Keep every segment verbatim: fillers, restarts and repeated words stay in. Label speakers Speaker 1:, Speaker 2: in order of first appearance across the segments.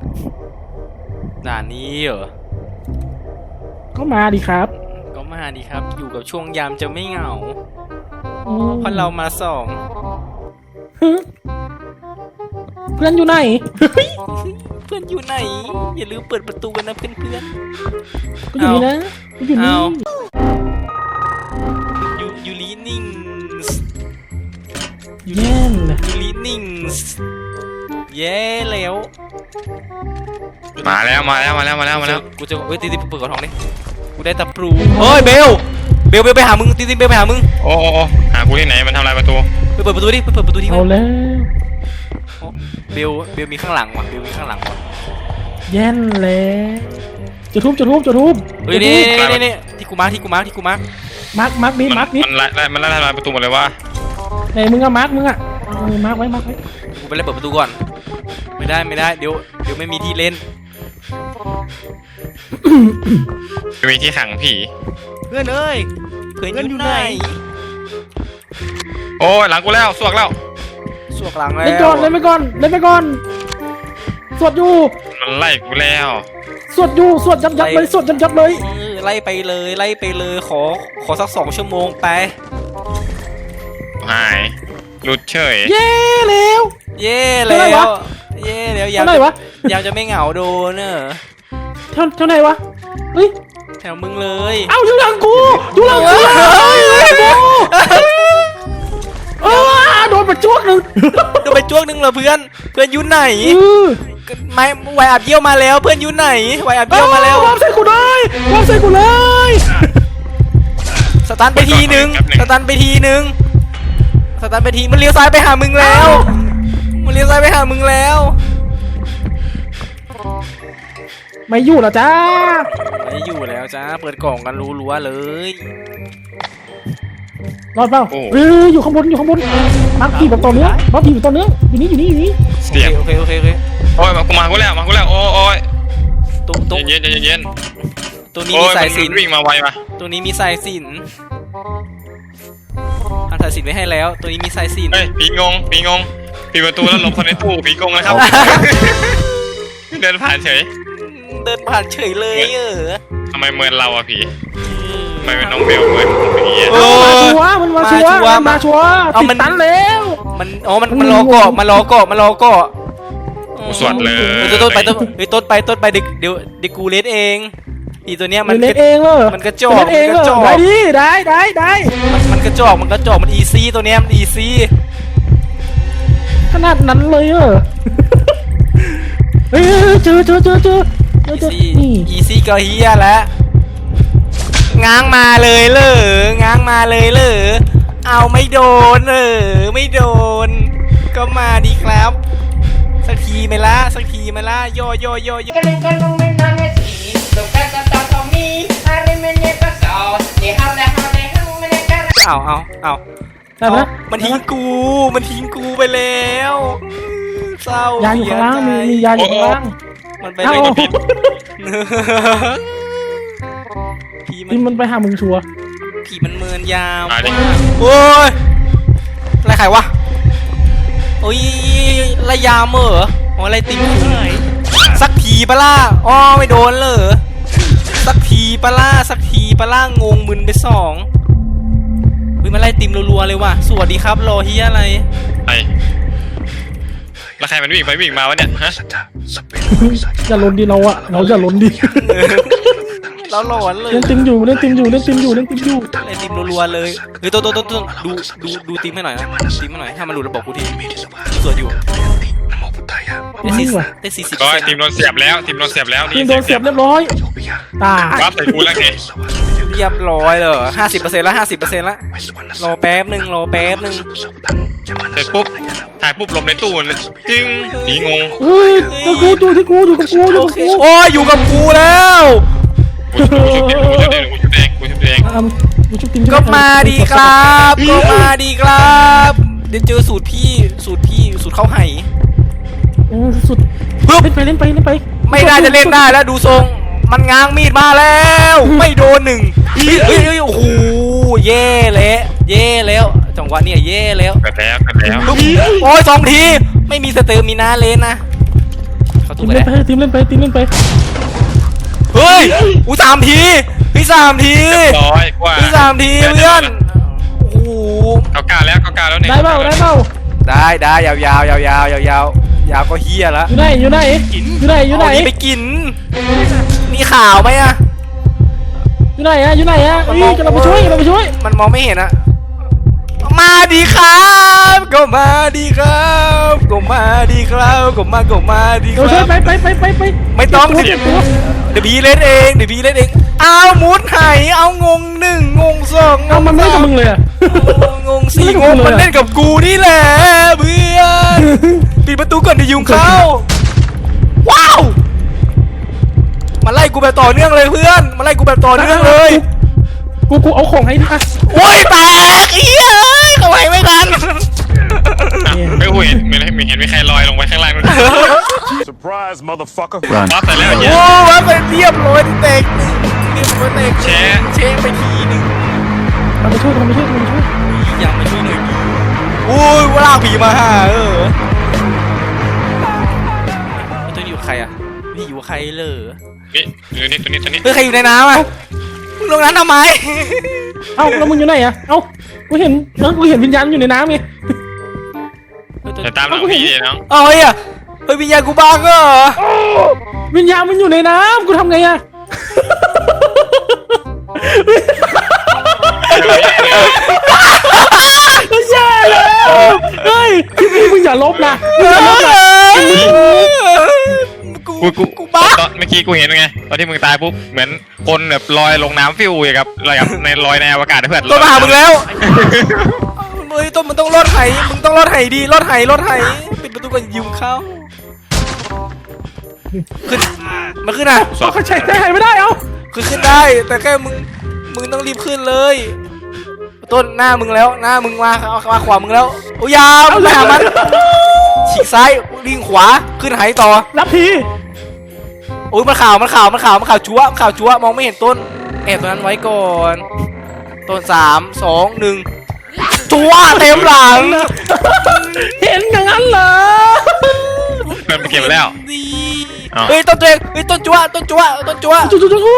Speaker 1: ด่านนี้เหรอ
Speaker 2: ก็มาดิครับ
Speaker 1: ก็มาดิครับอยู่กับช่วงยามจะไม่เหงา
Speaker 2: อืม
Speaker 1: เพราะเรามาสอง
Speaker 2: เพื่อนอยู่ไหน
Speaker 1: เพื่อนอยู่ไหนอย่าลืมเปิดประตูกันนะเพื่อนเพื่อน
Speaker 2: ก็อยู่นี่นะก็อยู่นี่
Speaker 1: ยูยูรีนิ่ง
Speaker 2: แย่น
Speaker 1: ยูรีนิ่งเย้แล้ว
Speaker 3: มาแล้วมาแล้วมาแล้วมาแล้วมาแล้ว
Speaker 1: กูจะเอ้ยตีตีเปิดกระถางดิกูได้ตะปรูเฮ้ยเบลเบลเบลไปหามึงตีตีเบลไปหามึง
Speaker 3: โอ้โอ้หากูที่ไหนมันทำลายประตู
Speaker 1: ไปเปิดประตูดิไปเปิดประตูดิ
Speaker 2: เอาแล้ว
Speaker 1: เบลเบลมีข้างหลังว่ะเบลมีข้างหลังว่ะ
Speaker 2: แย่นแล้วจะทุบจะทุบจะทุบ
Speaker 1: เฮ้ยนี่นี่นี่ที่กูมาที่กูมาที่กูมา
Speaker 2: มาร์กมาร์กดิมาร์กดิ
Speaker 3: มันไล่มันไล่ทำลายประตูหมดเลยว่า
Speaker 2: ไหนมึงอะมาร์กมึงอะมาร์กไว้มาร์กไว้
Speaker 1: กูไปเล่นเปิดประตูก่อนไม่ได้ไม่ได้เดี๋ยวเดี๋ยวไม่มีที่เล่น
Speaker 3: จะมีที่ขังผี
Speaker 1: เพื่อนเอ้ยเพื่อนอยู่ไหน
Speaker 3: โอ้ยหลังกูแล้วสวกแล้ว
Speaker 1: สวกหลังแล้ว
Speaker 2: เล่นก่อนเล่นไปก่อนเล่นไปก่อนสวดอยู่
Speaker 3: มันไล่กูแล้ว
Speaker 2: สวดอยู่สวดยับยับเลยสวดยับยับเลย
Speaker 1: ไล่ไปเลยไล่ไปเลยขอขอสักสองชั่วโมงไป
Speaker 3: หายหลุดเฉย
Speaker 2: เย่แล้ว
Speaker 1: เย่แล้วเย่แล้วยาม
Speaker 2: ไหนวะ
Speaker 1: ยามจะไม่เหงาโดนเนอะ
Speaker 2: เท่าเท่าไหนวะเฮ้ย
Speaker 1: แถวมึงเลย
Speaker 2: เอ้าอยู่หลังกูอยู่หลังกูเออโดนไปจ้วงหนึ่ง
Speaker 1: โดนไปจ้วงหนึ่งเหรอเพื่อนเพื่อนอยู่ไหนไม่ไวอับเยี่ยวมาแล้วเพื่อนอยู่ไหนไวอับเยี่ยวมาแล้ว
Speaker 2: วางใส่กูได้วางใส่กูเลย
Speaker 1: สตันไปทีหนึ่งสตันไปทีหนึ่งสตันไปทีมันเลี้ยวซ้ายไปหามึงแล้วมันเลี้ยวซ้ายไปหามึงแล้ว
Speaker 2: ไม่อยู่หรอจ้า
Speaker 1: ไม่อยู่แล้วจ้าเปิดกล่องกันรัวๆเลย
Speaker 2: รอดเปล่าเอออยู่ข้างบนอยู่ข้างบนมาร์คผีแบบต่อเนื้อมาร์คผีแบบต่อเนื้ออยู่นี่อยู่นี่อยู่นี่
Speaker 3: เสียง
Speaker 1: โอเคโอเคโอเค
Speaker 3: โอ้ยมากูมากูแล้วมากูแล้วโอ้ย
Speaker 1: ตุ๊ตุ๊
Speaker 3: เย็นเย็นเย็น
Speaker 1: ตัวนี้มีสายสิญจน์
Speaker 3: วิ่งมาไวมา
Speaker 1: ตัวนี้มีสายสิญจน์ทำสายสิญจน์ไว้ให้แล้วตัวนี้มีสายสิญจน์
Speaker 3: เฮ้ยผีงงผีงงปิดประตูแล้วหลบคนในตู้ผีงงนะครับเดินผ่านเฉย
Speaker 1: เดินผ่านเฉยเลยเออ
Speaker 3: ทำไมเมินเราอะผีทำไมเป็นน้องเบลเมินผีอะ
Speaker 2: มาชัวมันมาชัวมาชัวติดตันแล้ว
Speaker 1: มันอ๋อมันมันรอเกาะมันรอเกาะมันรอเกาะ
Speaker 3: สวดเลย
Speaker 1: ต้นไปต้นไปต้นไปต้นไปเดี๋ยวเดี๋ยวเดี๋ยวกูเล่นเองอีตัวเนี้ยมัน
Speaker 2: เล่นเองเหรอ
Speaker 1: มันกระจอก
Speaker 2: มันกระจอกได้ดิได้ได้ได้
Speaker 1: มันกระจอกมันกระจอกมันอีซี่ตัวเนี้ยมันอีซี่
Speaker 2: ขนาดนั้นเลยเหรอเฮ้ยเจอเจอเจอเจอ
Speaker 1: อีซี่อีซี่ก็เฮียแล้วง้างมาเลยเหรอง้างมาเลยเหรอเอาไม่โดนเออไม่โดนก็มาดีครับสักทีไหมล่ะสักทีไหมล่ะโยโยโยโยเอาเอาเอา
Speaker 2: ได้ไหม
Speaker 1: มันทิ้งกูมันทิ้งกูไปแล้วเศร้าย
Speaker 2: าอยู่ข้างล่างมีมียาอยู่ข้างล่าง
Speaker 1: มันไปเลยกับผิดผี
Speaker 2: มันมันไปหามึงชัว
Speaker 1: ผีมันเมินยาวโอ้ยอะไรใครวะโอ้ยระยามเหรออ๋ออะไรติ่มสักทีปะล่ะอ๋อไม่โดนเลยสักทีปะล่ะสักทีปะล่ะงงมึนไปสองวิมาไล่ติมรัวๆเลยว่ะสวัสดีครับรอเฮียอะไร
Speaker 3: ไอ้แล้วใครมันวิ่งไปวิ่งมาวะเนี่ยฮะ
Speaker 2: อย่าล้นดิเราอะเราอย่าล้นดิ
Speaker 1: เราหลอนเลย
Speaker 2: เล่นติมอยู่เล่นติมอยู่เล่นติมอยู่เล่นติมอยู่
Speaker 1: เล่นติมรัวๆเลยเฮ้ยต้นต้นต้นต้นดูดูดูติมให้หน่อยนะติมให้หน่อยถ้ามันหลุดระบบกูทีสวยอยู่ได้สี่ได้สี่สิบ
Speaker 3: ก็ทีมโดนเสียบแล้วทีมโดนเสียบแล้ว
Speaker 2: ทีมโดนเสียบเรียบร้อยตาย
Speaker 3: รับใส่กูแล้วไง
Speaker 1: เรียบร้อยเลยห้าสิบเปอร์เซ็นต์ละห้าสิบเปอร์เซ็นต์ละรอแป๊บหนึ่งรอแป๊บหนึ่ง
Speaker 3: เสร็จปุ๊บถ่ายปุ๊บลมในตู้เลยจริงผีงง
Speaker 2: เฮ้ยอยู่กูอยู่ที่กูอยู่กับกูอยู่กับกู
Speaker 1: โอ้ยอยู่กับกูแล้ว
Speaker 3: กูชุบเองกูชุบเองกูชุบเองกูชุบเอง
Speaker 1: ก็มาดีครับก็มาดีครับเดี๋ยวเจอสูตรพี่สูตรพี่สูตรเข้าไห่
Speaker 2: สุดเล่นไปเล่นไปเล่นไป
Speaker 1: ไม่ได้จะเล่นได้แล้วดูทรงมันง้างมีดมาแล้วไม่โดนหนึ่งเฮ้ยโอ้โหเย่แล้วเย่แล้วจังหวะนี้เย่แล้ว
Speaker 3: กันแล้วกันแล้ว
Speaker 1: โอ้ยสองทีไม่มีสเตอร์มีนาเลนนะขอโทตู
Speaker 2: ทีม
Speaker 1: ไป
Speaker 2: เล่
Speaker 1: แล้
Speaker 2: น
Speaker 1: ว
Speaker 2: ไปทีมเล่นไปทีมเล่นไป
Speaker 1: เฮ้ยอุ้ยสามทีพี่สามที
Speaker 3: ร้อยกว่า
Speaker 1: พี่สามทีเพื่อนโอ้โห
Speaker 3: เขากล้าแล้วเขากล้าแล้วเนี่ย
Speaker 2: ได้เปล่าได้เปล่า
Speaker 1: ได้ได้ยาวยาวยาวยาวยาวยาวยาวก็เฮียละ
Speaker 2: อยู่ไหนอยู่ไหนอยู่ไหนอยู่ไหน
Speaker 1: เอานี่ไปกินมีข่าวไหมอะ
Speaker 2: อยู่ไหนอะอยู่ไหนอะอุ้ยกำลังไปช่วยกำลังไปช่วย
Speaker 1: มันมองไม่เห็นอะมาดีครับก็มาดีครับก็มาดีครับก็มาก็มาดีค
Speaker 2: เดี๋ยวช่
Speaker 1: รั
Speaker 2: วย
Speaker 1: บ
Speaker 2: ไปไปไปไปไป
Speaker 1: ไม่ต้อง
Speaker 2: เจ็บตัว
Speaker 1: เดี๋ยวพี่เล่นเองเดี๋ยวพี่เล่นเองเอามุดไหเอางงหนึ่งงงสอง
Speaker 2: เอามันไม่กับมึงเลยอะ
Speaker 1: งงสี่งงมันเล่นกับกูนี่แหละเพื่อนปิดประตูก่อนเดี๋ยวยุงเข้าว้าวมาไล่กูแบบต่อเนื่องเลยเพื่อนมาไล่กูแบบต่อเนื่องเลย
Speaker 2: กูกูเอาของให้ดิอ่ะ
Speaker 1: โอ้ยแตกเอี้ยเอ้ยเขาไหวไม่ทัน
Speaker 3: ไม่เห็นไม่เห็นไม่เห็นมีใครลอยลงไปข้างล่างมั้ย
Speaker 4: Surprise, motherfucker.
Speaker 3: บอสใส่แล้วเหี้ย
Speaker 1: โอ้ว่าไปเรียบร้อยเตกเรียบร้อยเตก
Speaker 3: แชะ
Speaker 1: เชะไปทีนึง
Speaker 2: กำลังไปช่วยกำลังไปช่วยกำลังไปช่วย
Speaker 1: ยังไม่ช่วยหน่อยดิโอ้ยว่าลากผีมาหาเออตัวนี้อยู่กับใครอ่ะนี่อยู่กับใครเลย
Speaker 3: นี่ตัวนี้ตัวนี้ตัวนี้
Speaker 1: เฮ้ยใครอยู่ในน้ำอ่ะมึงลงน้ำทำไม
Speaker 2: เอ้าแล้วมึงอยู่ไหนอะเอ้ากูเห็นเออกูเห็นวิญญาณอยู่ในน้ำไง
Speaker 3: เดี๋ยวตามหลังพี่ดิน้อง
Speaker 1: เอาเฮ้ยอะเฮ้ยวิญญาณกูบ้างเหรอ
Speaker 2: วิญญาณมันอยู่ในน้ำกูทำไงอะไม่ใช่แล้วเฮ้ยพี่มึงอย่าลบนะมึงอย่าลบนะ
Speaker 1: กู
Speaker 3: กูกู
Speaker 1: กูบ้า
Speaker 3: ตอนเมื่อกี้กูเห็นไงตอนที่มึงตายปุ๊บเหมือนคนแบบลอยลงน้ำฟิวอย่างกับลอยกับในลอยในอวกาศเพื่อน
Speaker 1: ต้นมาหามึงแล้วเฮ้ยต้นมันต้องรอดไหมึงต้องรอดไหดีรอดไหรอดไหปิดประตูก่อนยุงเข้าขึ้นมันขึ้นอ่ะ
Speaker 2: เขาใช้ใช้ไม่ได้เอ้า
Speaker 1: คือขึ้นได้แต่แค่มึงมึงต้องรีบขึ้นเลยต้นหน้ามึงแล้วหน้ามึงมาเอามาขวามึงแล้วโอ้ยาวมึงไปหามันฉีกซ้ายลิงขวาขึ้นไหต่อ
Speaker 2: รับที
Speaker 1: โอ้ยมันข่าวมันข่าวมันข่าวมันข่าวจั๊วมันข่าวจั๊วมองไม่เห็นต้นแอบตัวนั้นไว้ก่อนต้นสามสองหนึ่งจั๊วเต็มหลัง
Speaker 2: เห็นอย่างนั้นเหรอ
Speaker 3: เพื่อนไปเก็บแล้ว
Speaker 1: ดี
Speaker 3: อ้าว
Speaker 1: เฮ้ยต้นตัวเองเฮ้ยต้นจั๊วต้นจั๊วต้นจั๊ว
Speaker 2: จุ๊จุ๊จุ๊จุ๊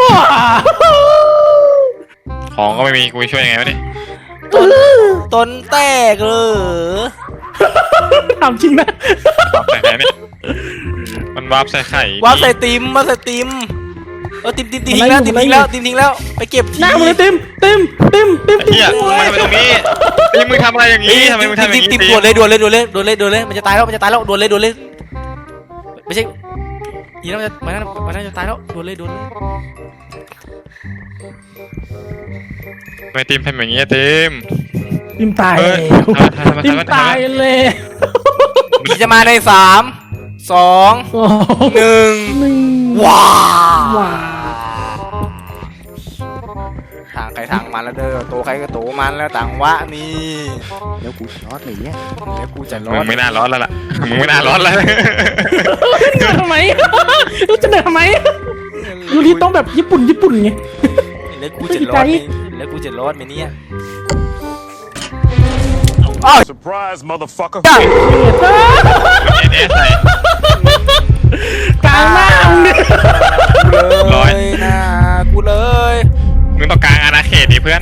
Speaker 3: ของก็ไม่มีกูจะช่วยยังไงวะเนี่ย
Speaker 1: ต้นต้นแตกเลย
Speaker 2: ถามจริงนะ
Speaker 3: วาร์ปใส่ไข่เนี่ยมันวาร์ปใส่ไข่
Speaker 1: วางใส่ติมมาใส่ติมเออติมติมติมทิ้งแล้วติมทิ้งแล้วติมทิ้งแล้วไปเก็บที
Speaker 2: หน้ามึงเลยติมติมติมติมติม
Speaker 3: เฮียมึงทำไมตรงนี้นี่มึงทำอะไรอย่าง
Speaker 1: เฮ้ย
Speaker 3: นี้ทำไมมึงทำอย่าง
Speaker 1: ติม
Speaker 3: นี้
Speaker 1: ด่วนเลยด่วนเลยด่วนเลยด่วนเลยด่วนเลยมันจะตายแล้วมันจะตายแล้วด่วนเลยด่วนเลยไม่ใช่ยีน่ามันจะมันน่ามันน่าจะตายแล้วด่วนเลยด่วนเลย
Speaker 3: ทำไมทีมทำอย่างนี้ทีม
Speaker 2: ติมตาย
Speaker 3: เออ
Speaker 2: แล้ว
Speaker 3: ทำไมทำไม
Speaker 2: ติม
Speaker 3: ทำไม
Speaker 2: ตายเลย
Speaker 1: ผีจะมาในสามสอง
Speaker 2: โอ้
Speaker 1: หนึ่ง
Speaker 2: หนึ่ง
Speaker 1: ว้า
Speaker 2: ว้า
Speaker 1: ทางใครทางมันแล้วเด้อโตใครก็โตมันแล้วต่างวะนี่
Speaker 5: แล้วกูช็อตเลยเนี่ย
Speaker 1: แล้วกูจะร
Speaker 3: มึ
Speaker 1: อง ด
Speaker 3: ไม่น่าร้อนแล้วล่ะมึงไม่น่าร้อนแล้ว
Speaker 2: เหนื่อยทำไมรู้จะเหนื่อยทำไมยูริต้องแบบญี่ปุ่นญี่ปุ่นไง
Speaker 1: แล้วกูจะรอดไหมแล้วกูจะรอดไหมเนี่ยอ้าว
Speaker 4: Surprise, motherfucker.
Speaker 1: จ้า
Speaker 3: เอเนสใส่
Speaker 2: กลางหน้ามึงเนี่ย
Speaker 1: เล
Speaker 3: ร้อย
Speaker 1: ยนะกูเลย
Speaker 3: มึงต้องกลางอาณาเขตดิเพื่อน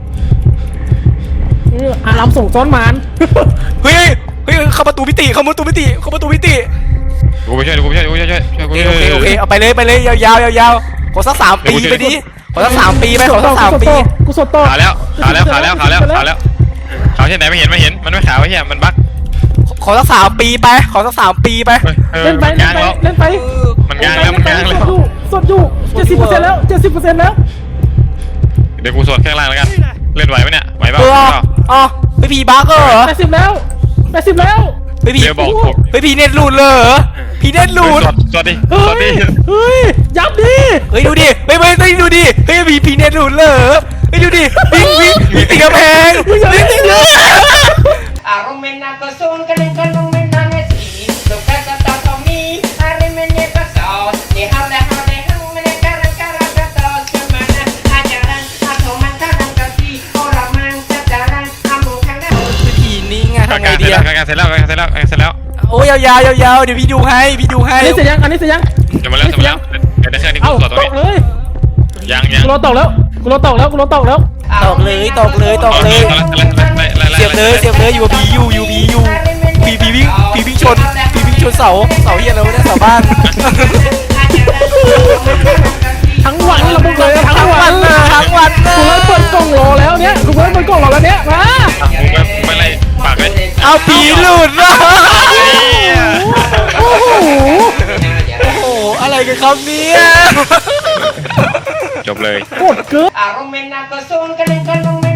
Speaker 2: อารามส่งซ้อนมาน
Speaker 1: เฮ้ยเฮ้ยเข้าประตูมิติเข้าประตูมิติเข้าประตูมิติ
Speaker 3: กูไปช่วยกูไปช่วยกูไปช่วยช่วยกู
Speaker 1: โอเคโอเคโอเคเอาไปเลยไปเลยยาวยาวยาวๆขอสักสามปีไปดิขอสักสามปีไปขอสักสามปี
Speaker 2: กูสดต่อ
Speaker 3: ขาวแล้วขาวแล้วขาวแล้วขาวแล้วขาวแล้วขาวเช่นไหนไม่เห็นไม่เห็นมันไม่ขาวไอ้เหี้ยมันบั๊ก
Speaker 1: ขอสักสามปีไปขอสักสามปีไป
Speaker 2: เล่นไป
Speaker 3: มัน
Speaker 2: เล่
Speaker 3: กาน ง
Speaker 2: ไป
Speaker 3: แล้ว
Speaker 2: เล่นไป
Speaker 3: มันกางแล้วมันกางแล้ว
Speaker 2: สดอยู่สดอยู่เจ็ดสิบเปอร์เซ็นต์แล้วเจ็ดสิบเปอร์เซ็นต์แล้ว
Speaker 3: เดี๋ยวกูสวดแค่ล่างแล้วกันเล่นไหวไหมเนี่ยไหวเปล่า
Speaker 1: เอออ๋อไปผีบักเหรอ
Speaker 2: แปดสิบแล้วแปดสิบแล้ว
Speaker 1: ไปผี
Speaker 3: เดี๋ยวบอกผม
Speaker 1: ไปผีเน็ตหลุดเลยเหรอผีเน็ตหลุด
Speaker 3: สวดสวดดิส
Speaker 2: เฮ้
Speaker 3: วดดิ
Speaker 2: ยเฮ้ยยับดิ
Speaker 1: เฮ้ยดูดิเฮ้ยเฮ้ยเฮ้ยดูดิเฮ้ยผีผีเน็ตหลุดเลยเหรอเฮ้ยดูดิวิ่งวิ่งวิ่งติดกำแพงวิ่งติดกำแพง
Speaker 6: Aromena kosun kaling kalung menangisi Suka kata Tommy Hari menyeka sos Di hale hale hang menekaran karang katos Kemana ajaran Atau mantaran kasih Orang mang sejaran Amung kang dah
Speaker 1: ผีนี่ไง
Speaker 3: กา
Speaker 1: ทำไง
Speaker 3: ร
Speaker 1: ดี
Speaker 3: เสร็จ
Speaker 1: อะ
Speaker 3: แล้วการเสร็จแล้วการเสร็จแล้วการเสร็จแล้ว
Speaker 1: โโอ้ยยาวๆยาวๆเดี๋ยวพี่ดูให้พี่ดูให้
Speaker 2: อันนี้เสร็จยังอันนี้เสร็จยัง
Speaker 3: จะมาแล้วจะมาแล้วเดี๋ยวได้แค่นี้กู
Speaker 2: เอ้า
Speaker 3: ต่อตรง
Speaker 2: ต
Speaker 3: นี้
Speaker 2: กเลย
Speaker 3: ยังยัง
Speaker 2: กูรอตกแล้วกูรอตกแล้วกูรอตกแล้ว
Speaker 1: ตอกเลยตอกเลยตอกเลยเสียบเลยเสียบเลยอยู่กับผีอยู่อยู่ผีอยู่ผีผีวิ่งผีวิ่งชนผีวิ่งชนเสาเสาเฮียอะไรวะเนี่ยเสาบ้าน
Speaker 2: ทั้งวันเราบอกเลยทั้
Speaker 1: ทั้
Speaker 2: ง
Speaker 1: ง
Speaker 2: วั
Speaker 1: วัน นเลยทั้งวันเล
Speaker 2: กูเล่นเปิดกล่องรอแล้วเนี่ยกูเล่นเปิดกล่องรอแล้วเนี่ยมา
Speaker 3: ไม่ไรปากเลย
Speaker 1: เอาผีหลุดว่ะ
Speaker 2: โอ้โห
Speaker 1: โอ้โหอะไรกันครับเนี่ย
Speaker 3: จบเลย
Speaker 2: กดเกิน
Speaker 6: Aromena kosong kadang-kadang